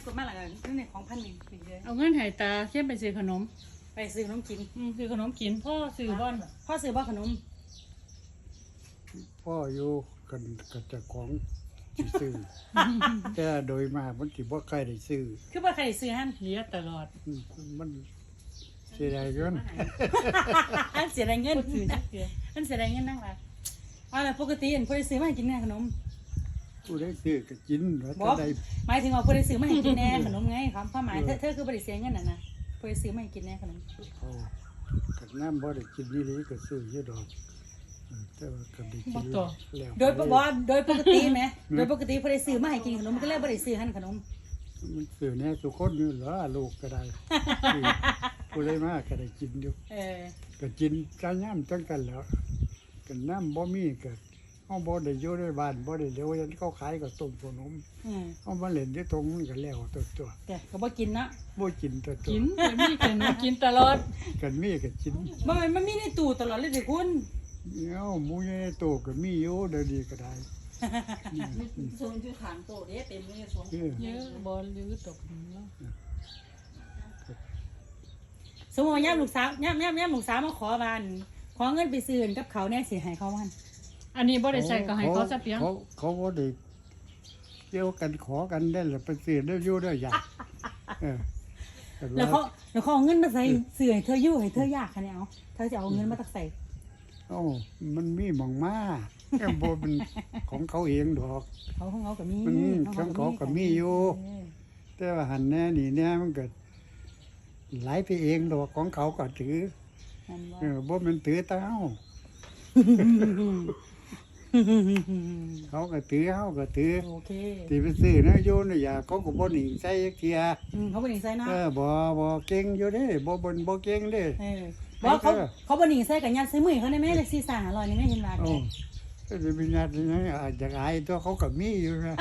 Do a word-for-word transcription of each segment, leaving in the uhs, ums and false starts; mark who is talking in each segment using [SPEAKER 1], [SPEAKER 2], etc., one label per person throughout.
[SPEAKER 1] ส่วนมากหลังนั่นเนี่ยของพันหนึ่งเยอะ
[SPEAKER 2] เอาเงินหายตาเข้มไปซื้อขนม
[SPEAKER 1] ไปซื้อขนมกิน
[SPEAKER 2] อืมซื้อขนมกินพ่อซื้อบ้าน
[SPEAKER 1] พ่อซื้อบ้าขนม
[SPEAKER 3] พ่ออยู่กันกับเจ้าของสิซื้อ แต่โดยมากมันสิบ่ใครได้ซื้อ
[SPEAKER 1] คือว่าใครซื้อฮั่น
[SPEAKER 2] เลี้ยตลอด
[SPEAKER 3] อืมมันเสียดายเกิน
[SPEAKER 1] อันเสียดายเงิน
[SPEAKER 2] บ่ซื้อจักเทื่อ
[SPEAKER 1] อันเสียดายเงินนั่งละเอาละปกติอันผู้ใดซื้อมาให้กินแน่ขนม
[SPEAKER 3] ผู้ได้ซื้อก็กินแล้ว
[SPEAKER 1] บ
[SPEAKER 3] ถ้า
[SPEAKER 1] อก
[SPEAKER 3] ได้
[SPEAKER 1] หมายถึงว่าผู้ใดซื้อมาให้กินแน่ขนมไงความความหมายเธอเธอคือผู้ใดเสียเงินน่ะนะผู้ใดซื้อมาให้กินแน่ขนม
[SPEAKER 3] เขากับน้ำบ่ได้กินนี่นี่ก็ซื้ออยู่ดอกเออแต่ว่าก็ได้กินแล้ว
[SPEAKER 1] โดยบอกโดยปกติไหมโดยปกติผู้ใดซื้อมาให้กินขนมก็เลยผู้ใดซื้อหั่นขนม
[SPEAKER 3] มันซื้อแน่ทุกคนอยู่เหรอลูกก็ได้ซื้อผู้ได้มากก็ได้กินอยู่
[SPEAKER 1] เออ
[SPEAKER 3] ก็กินกันย่ำจังกันแล้วกันน้ำบ่มีก็เฮาบ่ได้อยู่ในบ้านบ่ได้เดี๋ยวยันเขาขายก็ต้มขนม
[SPEAKER 1] อืม
[SPEAKER 3] เฮามาเล่นที่ตรงมันก็แล้วตัวตัว
[SPEAKER 1] แต่ก็บ่กินเนาะ
[SPEAKER 3] บ่กินตัวตัว
[SPEAKER 2] กินแต่มีขนมกินตลอด
[SPEAKER 3] กันมีก็กิน
[SPEAKER 1] มันมันมีในตู้ตลอดเลยสิคุณ
[SPEAKER 3] เอ้าหมูใหญ่โตก็มีอยู่เดี๋ยวนี้ก็ได้
[SPEAKER 4] โซนที่ขางโตเด้เต็มเลยโซน
[SPEAKER 3] เออ
[SPEAKER 2] เยอะบ่ลือตกแล้ว
[SPEAKER 1] สมมติว่าย่ามลูกสาวย่ามย่ามย่ามลูกสาวมาขอบ้านขอเงินไปซื้อกับเขาเนี่ยสิให้เขาวัน
[SPEAKER 2] อันนี้บ่ได้ใส่ก็ให้เขาซะเพียง
[SPEAKER 3] เขาเขาบ่ได้เกี่ยวกันขอกันได้ล่ะไปซื้อได้อยู่ได้อยากเออแต่
[SPEAKER 1] แล้ว
[SPEAKER 3] ว่า
[SPEAKER 1] เขาแล้วเขาเอาเงินมาใส่ซื้อให้เธออยู่ให้เธอยากคะเนี่ยเอาเธอจะเอาเงินมาตักใส่
[SPEAKER 3] เอ้ามันมีหม่องมาแอมบ่เป็นของเขาเองดอก
[SPEAKER 1] เขาของเขาก็มี
[SPEAKER 3] มันของเขาก็มีอยู่
[SPEAKER 1] เออ
[SPEAKER 3] แต่ว่าหันแน่นี่แน่มันก็ไหลไปเองดอกของเขาก็ถือ
[SPEAKER 1] นั่นว่า
[SPEAKER 3] เออบ่แมันถือแตาเฮาเขาก็ถือเฮาก็ถือ
[SPEAKER 1] โอเค
[SPEAKER 3] ที่ไปซื้อนะโยนอย่าเขาก็บ่หนีใส่จักเทีย
[SPEAKER 1] อืมเขาบ่หนีใส่เนาะ
[SPEAKER 3] เออบ่บ่เก่งอยู่เด้บ่บ่บ่เก่งเด้
[SPEAKER 1] เออบอกเขาเขาบ่หนีใส่กับยัดใส่มือเขาได้ไหมเลยสี่สามร้อยนี่ไม่เห็นว่า
[SPEAKER 3] โอ้ก็จะมีนัดนะอาจจะอายตัวเขาก็มีอยู่นะ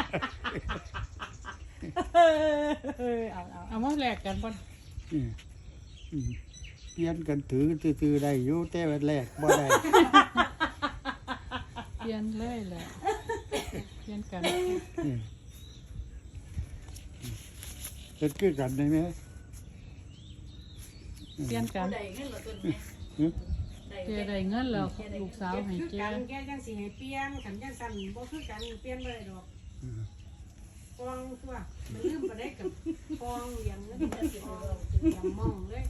[SPEAKER 1] เออเอาเอา
[SPEAKER 2] เอามาแลกกันบ่
[SPEAKER 3] อืมอืมเปลี่ยนกันถือซื่อๆได้อยู่แต่ว่าแรกบ่ได้
[SPEAKER 2] เปลี่ยนเลยแหละเปลี่ยนกัน
[SPEAKER 3] อืมเฮ็ดคือกันได้ไหม
[SPEAKER 2] เปลี่ยนกัน
[SPEAKER 4] ได้เงินละตัวนี้
[SPEAKER 3] หึ
[SPEAKER 2] เจได้เงินแล้วลูกสาวให้เจ
[SPEAKER 1] กันแกจังสิให้เปลี่ยนขันจังสั่นบ่คือกันเปลี่ยนบ่ได้ดอก
[SPEAKER 3] อืม
[SPEAKER 1] ปองตัวมันลืมไปได้กับปองเลี้ยงเงินจะสิเอาอย่างมองเลย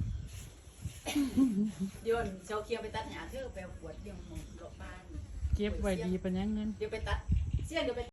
[SPEAKER 4] โยนเจ้าเคียวไปตัดหญ้าเธอไปเอาขวดเลี้ยงหมูหลบบ้าน
[SPEAKER 2] เก็บไว้ดีปานยังเงิน
[SPEAKER 4] เดี๋ยวไปตัดเสี้ยนเดี๋ยวไป